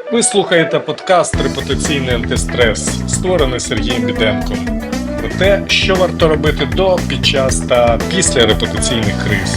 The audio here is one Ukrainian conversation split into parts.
Ви слухаєте подкаст «Репутаційний антистрес», створений Сергієм Біденком. Про те, що варто робити до, під час та після репутаційних криз.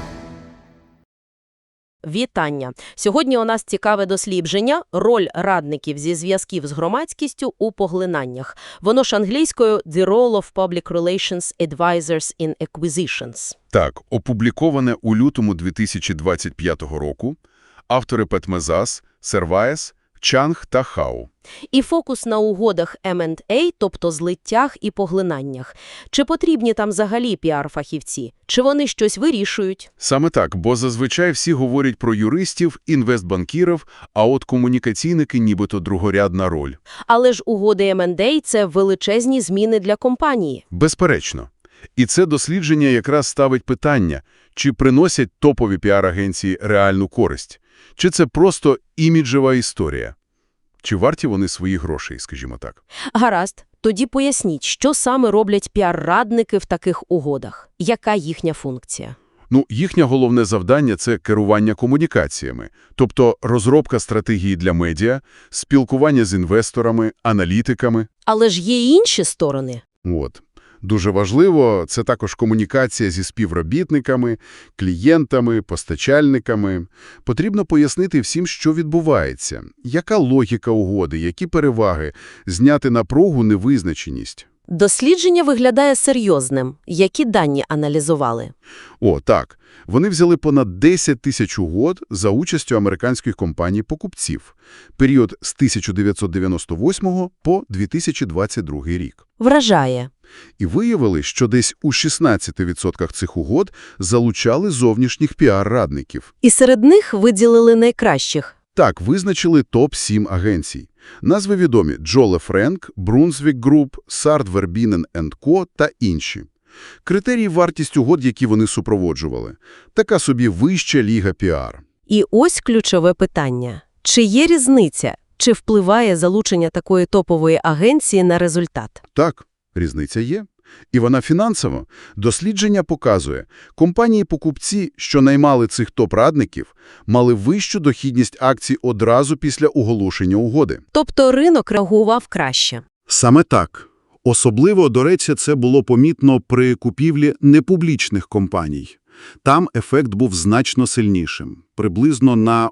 Вітання! Сьогодні у нас цікаве дослідження «Роль радників зі зв'язків з громадськістю у поглинаннях». Воно ж англійською «The role of public relations advisors in acquisitions». Так, опубліковане у лютому 2025 року. Автори Петмезас, Серваєс, Чанг та Хау. І фокус на угодах M&A, тобто злиттях і поглинаннях. Чи потрібні там взагалі піар-фахівці? Чи вони щось вирішують? Саме так, бо зазвичай всі говорять про юристів, інвестбанкірів, а от комунікаційники нібито другорядна роль. Але ж угоди M&A – це величезні зміни для компанії. Безперечно. І це дослідження якраз ставить питання, чи приносять топові піар-агенції реальну користь, чи це просто іміджева історія. Чи варті вони своїх грошей, скажімо так? Гаразд. Тоді поясніть, що саме роблять піар-радники в таких угодах? Яка їхня функція? Їхнє головне завдання – це керування комунікаціями, тобто розробка стратегії для медіа, спілкування з інвесторами, аналітиками. Але ж є й інші сторони. Дуже важливо – це також комунікація зі співробітниками, клієнтами, постачальниками. Потрібно пояснити всім, що відбувається, яка логіка угоди, які переваги, зняти напругу, невизначеність. Дослідження виглядає серйозним. Які дані аналізували? Так. Вони взяли понад 10 тисяч угод за участю американських компаній-покупців. Період з 1998 по 2022 рік. Вражає. І виявили, що десь у 16% цих угод залучали зовнішніх піар-радників. І серед них виділили найкращих. Так, визначили топ-7 агенцій. Назви відомі – Джоле Френк, Брунсвік Груп, Сард Вербінен & Ко та інші. Критерії – вартість угод, які вони супроводжували. Така собі вища ліга піар. І ось ключове питання. Чи є різниця? Чи впливає залучення такої топової агенції на результат? Так, різниця є. І вона фінансова. Дослідження показує, компанії-покупці, що наймали цих топ-радників, мали вищу дохідність акцій одразу після оголошення угоди. Тобто ринок реагував краще. Саме так. Особливо, до речі, це було помітно при купівлі непублічних компаній. Там ефект був значно сильнішим. Приблизно на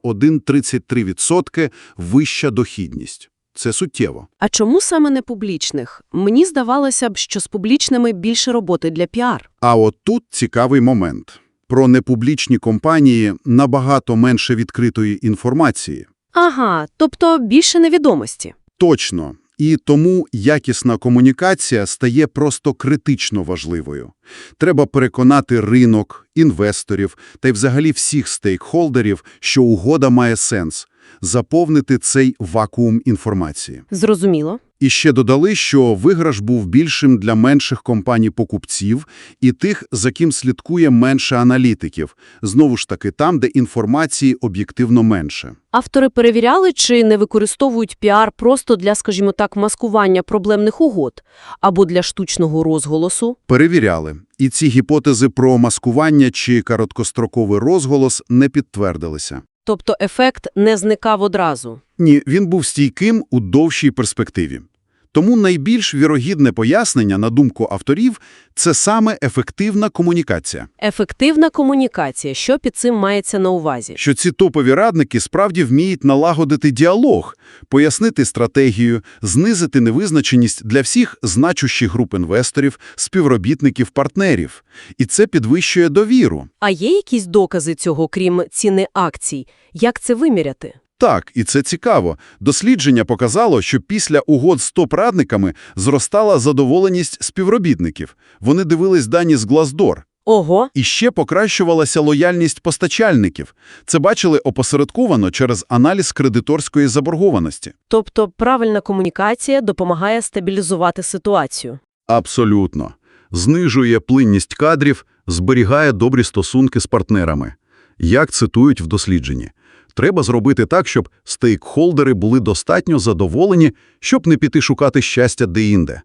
1,33% вища дохідність. Це суттєво. А чому саме не публічних? Мені здавалося б, що з публічними більше роботи для піар. А от тут цікавий момент. Про непублічні компанії набагато менше відкритої інформації. Ага, тобто більше невідомості. Точно. І тому якісна комунікація стає просто критично важливою. Треба переконати ринок, інвесторів та й взагалі всіх стейкхолдерів, що угода має сенс. Заповнити цей вакуум інформації. Зрозуміло. І ще додали, що виграш був більшим для менших компаній-покупців і тих, за ким слідкує менше аналітиків. Знову ж таки, там, де інформації об'єктивно менше. Автори перевіряли, чи не використовують піар просто для, скажімо так, маскування проблемних угод або для штучного розголосу? Перевіряли. І ці гіпотези про маскування чи короткостроковий розголос не підтвердилися. Тобто ефект не зникав одразу? Ні, він був стійким у довшій перспективі. Тому найбільш вірогідне пояснення, на думку авторів, це саме ефективна комунікація. Ефективна комунікація. Що під цим мається на увазі? Що ці топові радники справді вміють налагодити діалог, пояснити стратегію, знизити невизначеність для всіх значущих груп інвесторів, співробітників, партнерів. І це підвищує довіру. А є якісь докази цього, крім ціни акцій? Як це виміряти? Так, і це цікаво. Дослідження показало, що після угод з топ-радниками зростала задоволеність співробітників. Вони дивились дані з Glassdoor. Ого! І ще покращувалася лояльність постачальників. Це бачили опосередковано через аналіз кредиторської заборгованості. Тобто правильна комунікація допомагає стабілізувати ситуацію. Абсолютно. Знижує плинність кадрів, зберігає добрі стосунки з партнерами. Як цитують в дослідженні. Треба зробити так, щоб стейкхолдери були достатньо задоволені, щоб не піти шукати щастя де-інде.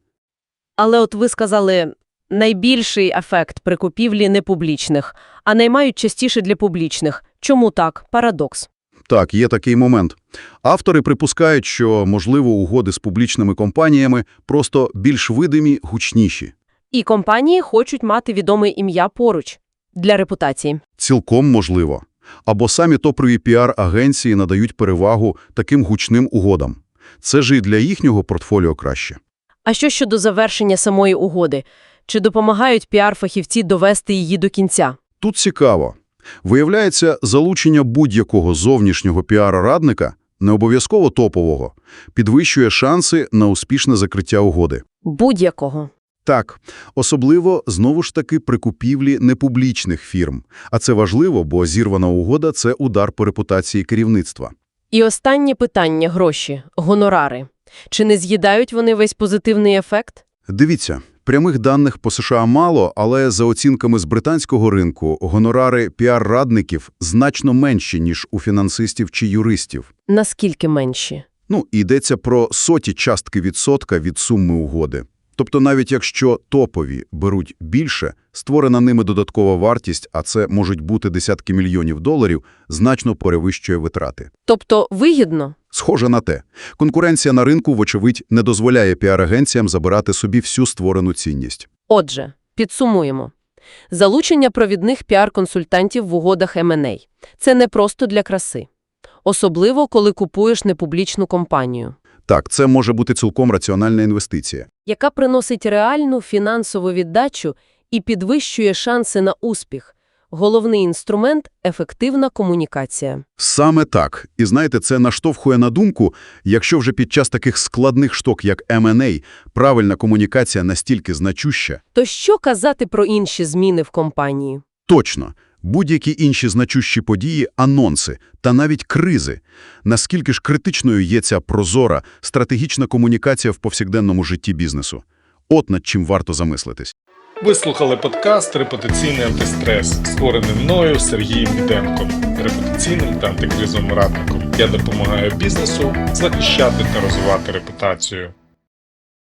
Але от ви сказали, найбільший ефект при купівлі непублічних, а наймають частіше для публічних. Чому так? Парадокс. Так, є такий момент. Автори припускають, що, можливо, угоди з публічними компаніями просто більш видимі, гучніші. І компанії хочуть мати відоме ім'я поруч для репутації. Цілком можливо. Або самі топові піар-агенції надають перевагу таким гучним угодам. Це ж і для їхнього портфоліо краще. А що щодо завершення самої угоди? Чи допомагають піар-фахівці довести її до кінця? Тут цікаво. Виявляється, залучення будь-якого зовнішнього піар-радника, не обов'язково топового, підвищує шанси на успішне закриття угоди. Будь-якого. Так, особливо, знову ж таки, при купівлі непублічних фірм. А це важливо, бо зірвана угода – це удар по репутації керівництва. І останнє питання – гроші, гонорари. Чи не з'їдають вони весь позитивний ефект? Дивіться, прямих даних по США мало, але за оцінками з британського ринку гонорари піар-радників значно менші, ніж у фінансистів чи юристів. Наскільки менші? Йдеться про соті частки відсотка від суми угоди. Тобто навіть якщо топові беруть більше, створена ними додаткова вартість, а це можуть бути десятки мільйонів доларів, значно перевищує витрати. Тобто вигідно? Схоже на те. Конкуренція на ринку, вочевидь, не дозволяє піар-агенціям забирати собі всю створену цінність. Отже, підсумуємо. Залучення провідних піар-консультантів в угодах M&A – це не просто для краси. Особливо, коли купуєш непублічну компанію. Так, це може бути цілком раціональна інвестиція. Яка приносить реальну фінансову віддачу і підвищує шанси на успіх. Головний інструмент – ефективна комунікація. Саме так. І знаєте, це наштовхує на думку, якщо вже під час таких складних штук, як M&A, правильна комунікація настільки значуща. То що казати про інші зміни в компанії? Точно. Будь-які інші значущі події, анонси та навіть кризи. Наскільки ж критичною є ця прозора, стратегічна комунікація в повсякденному житті бізнесу? От над чим варто замислитись. Ви слухали подкаст «Репутаційний антистрес», створений мною Сергієм Біденком, репутаційним та антикризовим радником. Я допомагаю бізнесу захищати та розвивати репутацію.